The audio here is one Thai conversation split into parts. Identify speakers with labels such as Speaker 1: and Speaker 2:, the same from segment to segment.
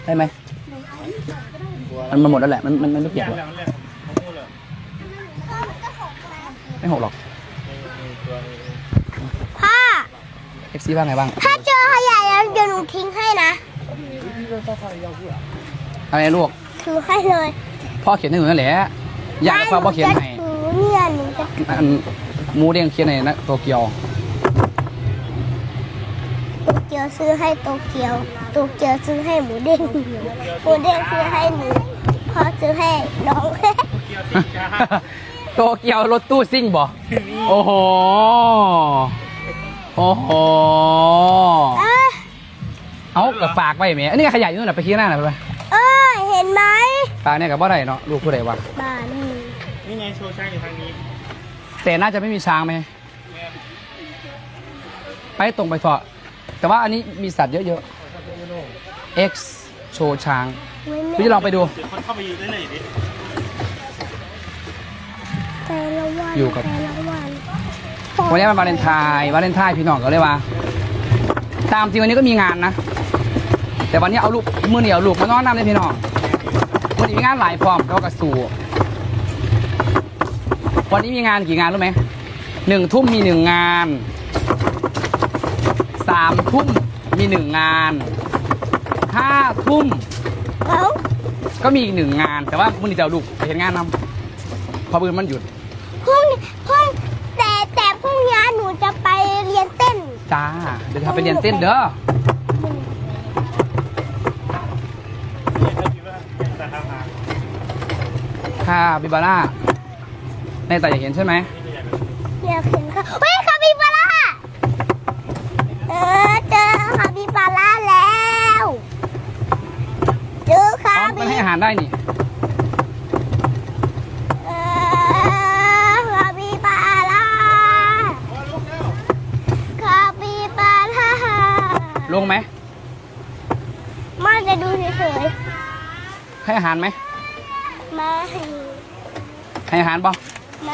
Speaker 1: ได้ไหมมันหมดแล้วแหละมันไม่เปียกหรอกไม่หกหรอก
Speaker 2: พ่อ
Speaker 1: FC ว่าไงบ้าง
Speaker 2: ถ้าเจอขยะแล้วเดี๋ยวหนูทิ้งให้นะ
Speaker 1: อะไรลูก
Speaker 2: ถือให้เลย
Speaker 1: พ่อเขียนให้หนูนั่นแหละอยากพ่อเขียนให้
Speaker 2: ถือเนี่ยหนูจะ
Speaker 1: อันหมูเด้งเขียนให้นะโตเกียว
Speaker 2: โตเกียวซื้อให้โตเกียวโตเกียวซื้อให้หมูเด้งหมูเด้งซื้อให้หนูพ่อซื้อให้น้อง
Speaker 1: โตเกียวรถตู้ซิ่งบ่โอ้โหโอ้โหเอากับฝากไว้ไหมอันนี้ขยะอยู่นู่นนะไปขี้หน้าหน่อยไป
Speaker 2: เห็นไหม
Speaker 1: ฝากเนี่ยกับว่าไรเนาะลูกผู้ใดวะ
Speaker 2: บ้านนี่
Speaker 3: ไงโชว์ช้างอยู่ทางนี้
Speaker 1: แต่น่าจะไม่มีช้างไหมไปตรงไปเถอะแต่ว่าอันนี้มีสัตว์เยอะๆ X โชว์ช้างพี่จะลองไปดู
Speaker 3: เดี๋ยวคนเข้าไปยืนได้เลยดิ
Speaker 2: แต่ละวัน
Speaker 1: อยู่กับ
Speaker 2: แต่ละวัน
Speaker 1: วันนี้มันวาเลนไทน์พี่น้องก็เลยว่าตามจริงวันนี้ก็มีงานนะแต่วันนี้เอาลูกมือเหนียวลูกมานอนน้ำเลยพี่น้องวันนี้มีงานหลายพร้อมเขากระสู่วันนี้มีงานกี่งานรู้ไหม1 ทุ่มมี1 งาน3 ทุ่มมี1 งาน5 ทุ่ม
Speaker 2: เอ้า
Speaker 1: ก็มีอีก1 งานแต่ว่ามือนี้จะเอาลูกไปเห็นงานนำเพราะมือมันหยุด
Speaker 2: พรุ่งแต่พรุ่งนี้หนูจะไปเรียนเต้น
Speaker 1: จ้าเดี๋ยวทำไปเรียนเต้นเด้อ
Speaker 3: แต่ทางหาง
Speaker 1: ค่ะบิบาร่าในแต่อยากเห็นใช่ไหม
Speaker 2: อยากเห็นค่ะเฮ้ยคาปิบาร่าเจอคาปิบาร่าแล้วเจอคา
Speaker 1: อ๋อ
Speaker 2: ปิ
Speaker 1: มันให้อาหารได้นี่
Speaker 2: คาปิบาร่าคาปิบาร่า
Speaker 1: ลงไหม
Speaker 2: มาจะดูเฉย
Speaker 1: ให้อาหารไหม
Speaker 2: ๆมาให้
Speaker 1: ให้อาหารป่ะ
Speaker 2: มา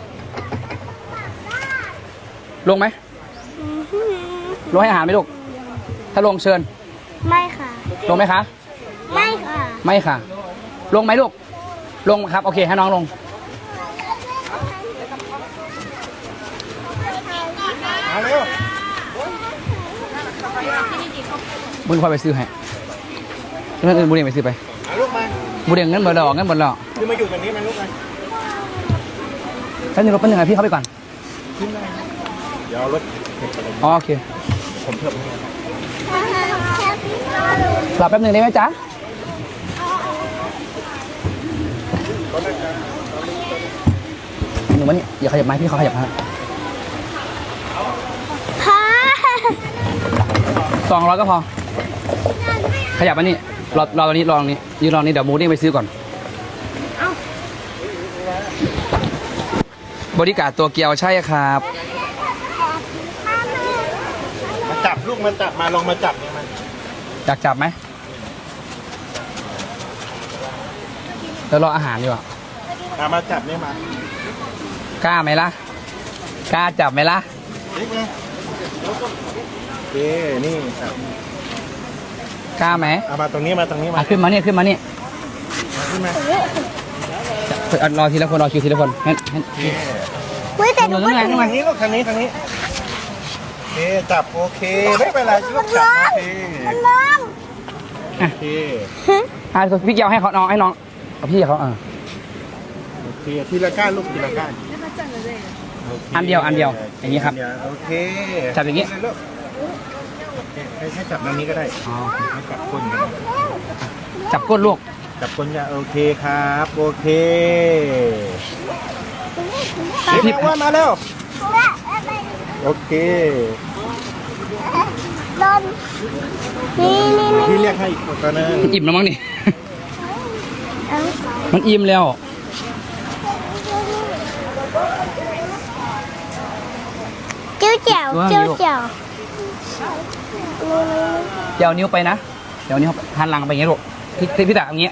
Speaker 1: ลงไหมลงให้อาหารไหมลูกถ้าลงเชิญ
Speaker 2: ไม่ค่ะ
Speaker 1: ลงไหมคะ
Speaker 2: ไม่ค่ะ
Speaker 1: ไม่ค่ะ ลงไหมลูกลงครับโอเคให้น้องลง
Speaker 3: มาเร็ว
Speaker 1: บุญคอยไปซื้อให้เงินอื่นบุญเองไปซื้อไป
Speaker 3: มาลูกมา
Speaker 1: บุญเองเงินเบอร์ดอกเงินเบอร์ดอก
Speaker 3: คือมาอยู่ตรงนี้มันลูกมา
Speaker 1: แป๊บนึงรถแป๊บนึงพี่เข้าไปก่อน
Speaker 3: เดี๋ยวรถ
Speaker 1: อ๋อโอเค
Speaker 3: ผมเพิ่ม
Speaker 1: รอแป๊บนึงได้ไหมจ๊ะหนูมานี่อย่าขยับไม้พี่เขาขยับฮะ
Speaker 2: พ่อ
Speaker 1: 200ก็พอขยับมานี่รอตรงนี้รอตรงนี้ยืนรอนี้เดี๋ยวมูนี่ไปซื้อก่อนบริการตัวเกียวใช่ครับ
Speaker 3: มาจับลูกมันจับมาลงมาจับเนี่ยมัน
Speaker 1: อยากจับไหมเดี๋ยวรออาหารดีกว่า
Speaker 3: มาจับเนี่ยมาก
Speaker 1: ล้าไหมล่ะกล้าจับไหมล่ะ
Speaker 3: เล็กไงโอเคนี่จับ
Speaker 1: กล้าไหม
Speaker 3: เอามาตรงนี้มาตรงนี้มา
Speaker 1: ขึ้นมาเนี่ยขึ้นมาเนี่ย
Speaker 3: ขึ้นมา
Speaker 1: รอทีละคนรอคิวทีละคนให้
Speaker 3: โอเค
Speaker 2: เฮ้ยแต่หนูก็
Speaker 1: ไง
Speaker 3: ทางนี้ลูกทางนี้ทางนี้โอเคจับโอเคไม่เป็นไรลูกจับโอเค
Speaker 2: น้อง
Speaker 3: โอเค
Speaker 1: พี่เกียวให้เขาน้องให้น้องเอาพี่เขา
Speaker 3: โอเคทีละก้านลูกทีละก้าน
Speaker 1: อันเดียวอย่างนี้ครับ
Speaker 3: โอเค
Speaker 1: จับอย่างนี้
Speaker 3: ลูกโอเคให้จับตรงนี้ก็ได้
Speaker 1: อ๋อ
Speaker 3: ให้จับก้นก็ได้
Speaker 1: จับก้นลูก
Speaker 3: จับก้นจะโอเคครับโอเค
Speaker 1: พี่
Speaker 3: ว่ามาแล้วโอเค
Speaker 2: โดนนี่
Speaker 3: พี่เรียกให้อีกตัวนึง
Speaker 1: มันอิ่มแล้วมั้งนี่
Speaker 2: เอ้า
Speaker 1: มันอิ่มแล้ว
Speaker 2: เจียวเจียวเจียวเจียว
Speaker 1: เดี๋ยวนิ้วไปนะเดี๋ยวนิ้วหันหลังไปอย่างงี้ลูกพี่ตาอย่างเงี้ย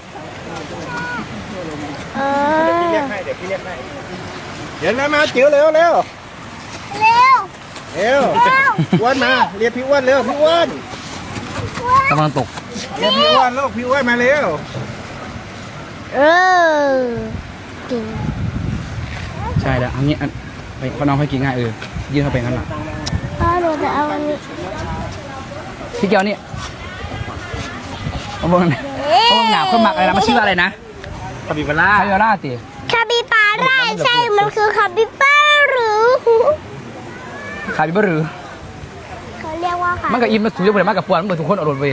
Speaker 3: พี่เรียกให้เดี๋ยวพี่เรียกให้เดี๋ยวนะมาจิ๋วเร็วเร็ว
Speaker 2: เร็ว
Speaker 3: เร็วอ้วนมาเรียกพี่อ้วนเร็วพี่อ้วน
Speaker 1: กำลังตก
Speaker 2: เ
Speaker 3: เรียกพี่อ้วนลูกพี่อ้วนมาเร็ว
Speaker 2: เออจริง
Speaker 1: ใช่แล้วอันนี้ไปเขาน้องให้กินง่ายยื่นเข้าไปงั้นหละ
Speaker 2: พ่อหนูจะเอาอันนี้
Speaker 1: พี่เกียวนี่เอาบงหนาคนหมักอะไรนะมันชื่อว่าอะไรนะ
Speaker 3: คาบิบาร่า
Speaker 1: คาโยราติ
Speaker 2: คาบิบาร่าใช่มันคือคาบิบาหรือ
Speaker 1: คาบิบหรือ
Speaker 2: เขาเรียกว่าคา
Speaker 1: มันกับอิมมันสูงเยอะไปมากกับปวนมันเหมือนทุกคนอดรนเว้ย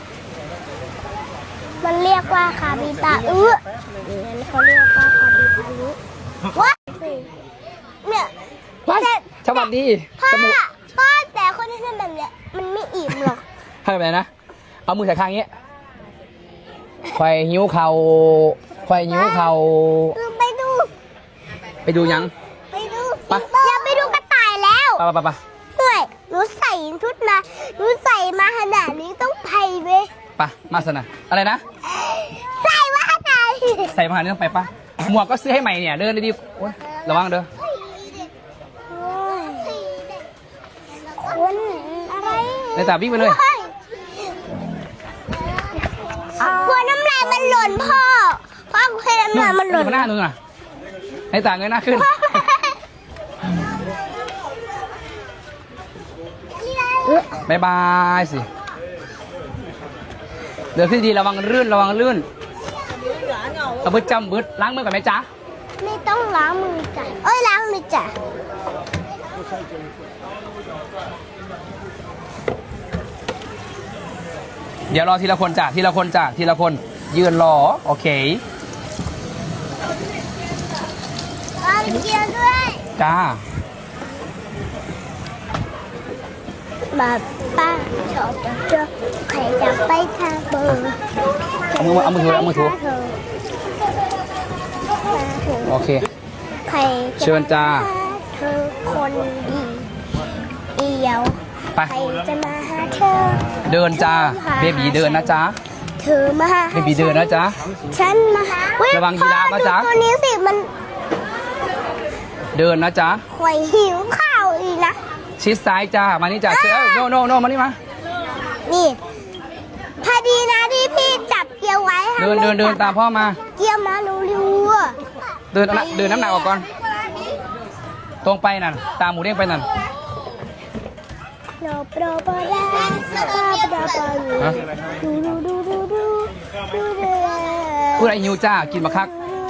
Speaker 2: มันเรียกว่าคาบิบางั้นเขาเรียกว่าคาบิบารุว้าเนี่ย
Speaker 1: ว้ายสวัสดี
Speaker 2: พ่อ
Speaker 1: จมูก
Speaker 2: พ่อแต่คนที่ทำแบบเนี้ยมันไม่อิ่มหรอก
Speaker 1: ทำแบบไหนนะเอามือใส่ข้างนี้ควายหิ้วเข่าควายหิ้วเข่า
Speaker 2: ไปดู
Speaker 1: ไปดูยัง
Speaker 2: ไปดู
Speaker 1: ไป
Speaker 2: อย่าไปดูกระต่ายแล้ว
Speaker 1: ไป
Speaker 2: เฮ้ยหนูใส่ชุดมาหนูใส่มาขนาดนี้ต้องไทยเว้ย
Speaker 1: ไปมาสนะอะไรนะ
Speaker 2: ใส่มาขนาดนี้
Speaker 1: ใส่มาหาเรื่องไปปะหมวกก็ซื้อให้ใหม่เนี่ยเดินดีๆโอ๊ยระวังเด้อ
Speaker 2: คนอะไร
Speaker 1: ในตาวิ่งไปเลย
Speaker 2: กลัวน้ำลายมันหล่นพ่อเคยน้ำลายมันหล่น
Speaker 1: หน้านู่นน่ะในตาเงยหน้าขึ้นบายบายสิเดินขึ้นดีระวังลื่นเอาบึดจำบึดล้างมือก่อนไหมจ๊ะ
Speaker 2: ไม่ต้องล้างมือจ้ะล้างมือจ้ะ
Speaker 1: เดี๋ยวรอทีละคนจ้ะทีละคนยืนรอโอเค
Speaker 2: เกียวด้วย
Speaker 1: จ้า
Speaker 2: ป้าชอบเจอใครจะไปทางเบอร์
Speaker 1: เอามือถูโอเค
Speaker 2: ใคร
Speaker 1: เชิญจ้า
Speaker 2: เธอคนดีเอียว
Speaker 1: ไป
Speaker 2: ใครจะมาหาเธอ
Speaker 1: เดินจ้าเบบีเดินนะจ๊ะ
Speaker 2: เธอมาหา
Speaker 1: เบบีเดินนะจ๊ะ
Speaker 2: ฉันมาเฮ้ย
Speaker 1: ระวังยีราฟนะจ๊ะ
Speaker 2: พ่อดูตัวนี้สิมัน
Speaker 1: เดินนะจ๊ะ
Speaker 2: ข่อยหิวข้าวอีกนะ
Speaker 1: ชิดซ้ายจ้ามานี่จ้าเชื่อโนมานี่มา
Speaker 2: นี่พอดีนะที่พี่จับเกียวไว้ค่ะ
Speaker 1: เดินตามพ่อมา
Speaker 2: เกียวมาเร็วๆอะ
Speaker 1: เดินน้ำหนักออกก่อนตรงไปนั่นตามหมูเด้งไปนั่น
Speaker 2: โนโปรโปรดาโปรโปรอยู่
Speaker 1: ฮะ
Speaker 2: ดู
Speaker 1: พูดอะไรหิวจ้ากินมาคัก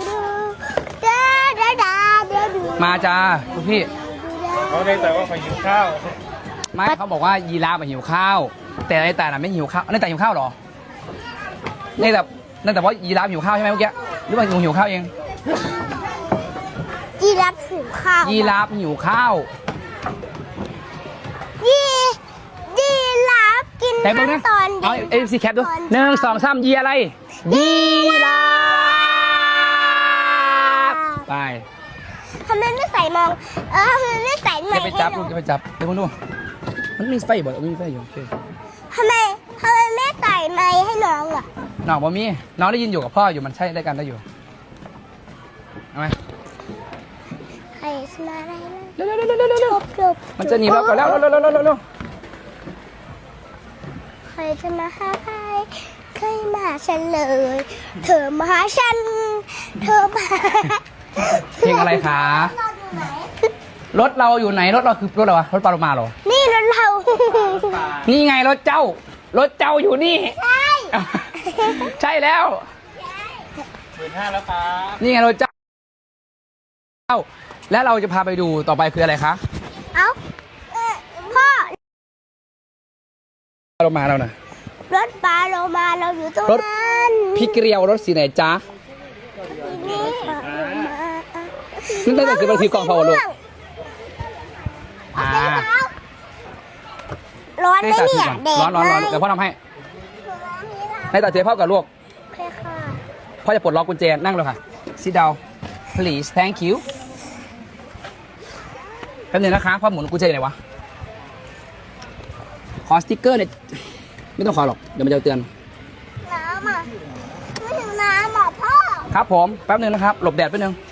Speaker 1: มาจ้าลูกพี่
Speaker 3: เขาได้แต่ว่าเขาหิวข้าว
Speaker 1: ไม่เขาบอกว่ายีราฟหิวข้าว แต่ในแต่น่ะไม่หิวข้าวในแต่หิวข้าวเหรอในแต่ว่ายีราฟหิวข้าวใช่ไหมเมื่อกี้หรือว่าหนูหิวข้าวเอง
Speaker 2: ยีราฟหิวข้าว
Speaker 1: ยีราฟหิวข้าว
Speaker 2: ยีราฟกิน
Speaker 1: แต่เพิ่งนะ
Speaker 2: น้ำตอน
Speaker 1: เอาเอ็มซีแคปดู1 2 3ยีอะไรยีราฟไป
Speaker 2: ทำไมไม่ใส่มองทำไมไม่ใส่ใหม่
Speaker 1: จะไปจับลูกจะไปจับเดี๋ยวมึงดูมันมีไฟบ่มีไฟอยู่โอเค
Speaker 2: ทำไมไม่ใส่ไม้ให้น้องอ่ะ
Speaker 1: น้องบ่มีน้องได้ยินอยู่กับพ่ออยู่มันใช่ได้กันได้อยู่เอาไหม
Speaker 2: ใครสมาได้นะ
Speaker 1: เร็ว
Speaker 2: จบ
Speaker 1: มันจะหนีเราก่อนแล้วเร็ว
Speaker 2: ใครจะมาหาใครใครมาหาฉันเลย เธอมาหาฉัน เธอมา
Speaker 1: เพลงอะไรคะรถเราอยู่ไหนรถเราคือรถอะไรวะรถปลาโลมาเหรอ
Speaker 2: นี่รถเรา
Speaker 1: นี่ไงรถเจ้าอยู่นี่
Speaker 2: ใช่
Speaker 1: ใช่แล้ว
Speaker 3: 15,000แล้วครับ
Speaker 1: นี่ไงรถเจ้าแล้วเราจะพาไปดูต่อไปคืออะไรคะ
Speaker 2: เอ้าพ่อ
Speaker 1: ปลาโลมาเราน่ะ
Speaker 2: รถปลาโลมาเราอยู่ตรง
Speaker 1: รถ
Speaker 2: นั้น
Speaker 1: พี่เกลียวรถสีไหนจ๊ะ
Speaker 2: นี่ปลาโลมา
Speaker 1: นั่นตั้งแต่คือมันคือกองพาวลูก
Speaker 2: เอาไปเท้าร้อนไหมเนี่ยแดด
Speaker 1: ร้อนเดี๋ยวพ่อทำให้ในตัดเทพ่อกับลูก
Speaker 2: โอเคค่ะ
Speaker 1: พ่อจะปลดล็อกกุญแจนั่งเลยค่ะ sit down please thank you แป๊บนึงนะคะพ่อหมุนกุญแจไหนวะขอสติ๊กเกอร์เนี่ยไม่ต้องขอหรอกเดี๋ยวมันจะเตือน
Speaker 2: น้ำอ่ะไม่ถึงน้ำอ่ะพ่อ
Speaker 1: ครับผมแป๊บนึงนะครับหลบแดดแป๊บนึง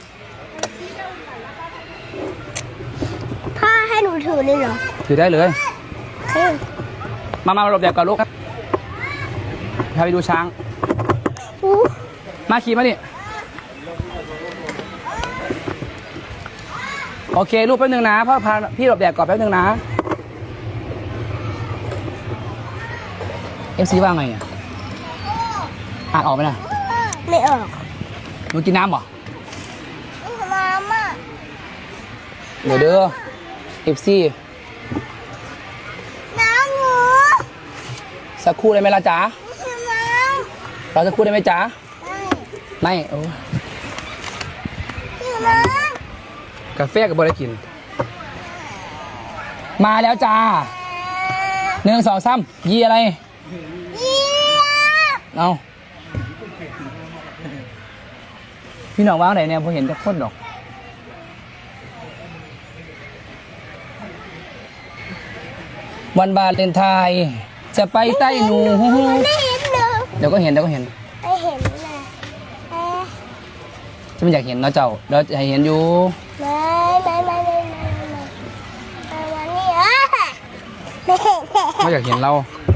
Speaker 2: พ่อให้หนูถือเลยเหรอ
Speaker 1: ถือได้เลย
Speaker 2: เฮ้ย
Speaker 1: มาหลบแดดก่อนลูกครับาไปดูช้าง
Speaker 2: อู้
Speaker 1: มาขี่มาดิโอเครูปแป๊บนึงนะพ่อพาพี่หลบแดดก่อนแป๊บนึงนะ FC ว่าไงอ่านออกไหมนะ
Speaker 2: ไม่ออก
Speaker 1: หนูกินน้ำเหรอ
Speaker 2: มาม่า
Speaker 1: เดี๋ยวเด้อ FC
Speaker 2: น้ำหนู
Speaker 1: สักครู่ได้ไหมล่ะจ๊ะ
Speaker 2: น้ำ
Speaker 1: เราสักครู่ได้ไหมจ๊ะไม่โอ้
Speaker 2: น้
Speaker 1: กาแฟกับบริกิน มาแล้วจ้า 1 2 3ยีอะไร
Speaker 2: ำยี่
Speaker 1: เอาพี่น้องว่างไหนเนี่ยผมเห็นแต่คนดอก วันวาเลนไทน์จะไปใต้หนู
Speaker 2: ไม่เห็นเลย
Speaker 1: เดี๋ยวก็เห็น
Speaker 2: ไม่เห็นเลยเอ๊ะ
Speaker 1: จะไม่อยากเห็นเนาะเจ้าเดี๋ยวจะให้เห็นอยู่
Speaker 2: ไม่วันนี้อ่ะไม่เห็น
Speaker 1: ไม่อยากเห็นเรา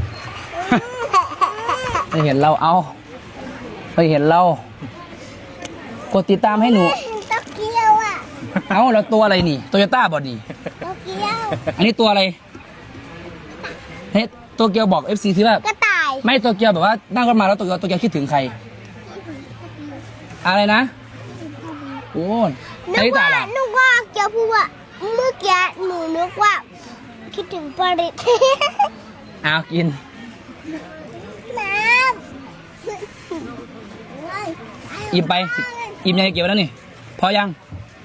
Speaker 1: ไม่เห็นเราเอาไม่เห็นเรากดติดตามให้หนู
Speaker 2: โตเกียวอ่ะ
Speaker 1: เอาแล้วตัวอะไรนี่โตโยต้าบอดี้
Speaker 2: โตเกียว
Speaker 1: อันนี้ตัวอะไรเฮ้ยโตเกียวบอก FC ที่ว่าก
Speaker 2: ระต่าย
Speaker 1: ไม่โตเกียวแบบว่านั่งรถมาแล้วโตเกียวคิดถึงใคร อะไรนะโอ้ย
Speaker 2: นึ
Speaker 1: อัน
Speaker 2: ก
Speaker 1: นี้ตา
Speaker 2: ว่า
Speaker 1: ล่ะ
Speaker 2: เกียวพูดว่าเมื่อกี้หนูนึกว่า คิดถึงปริศ
Speaker 1: เอากิน
Speaker 2: น้ำ
Speaker 1: อิ่มไปอิ่มยังเก็บไว้แล้วนี่พอยัง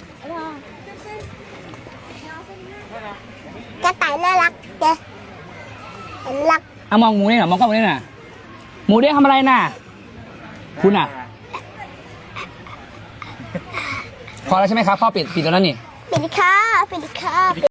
Speaker 2: กระต่ายน่ารักเจ๊เห็นรัก
Speaker 1: เอามองหมูนี่หน่ะมองกล้องนี่น่ะหมูเด้งทำอะไรน่ะคุณอ่ะพอแล้วใช่ไหมครับพ่อปิดแล้วนั่นนี่
Speaker 2: ปิดค่ะ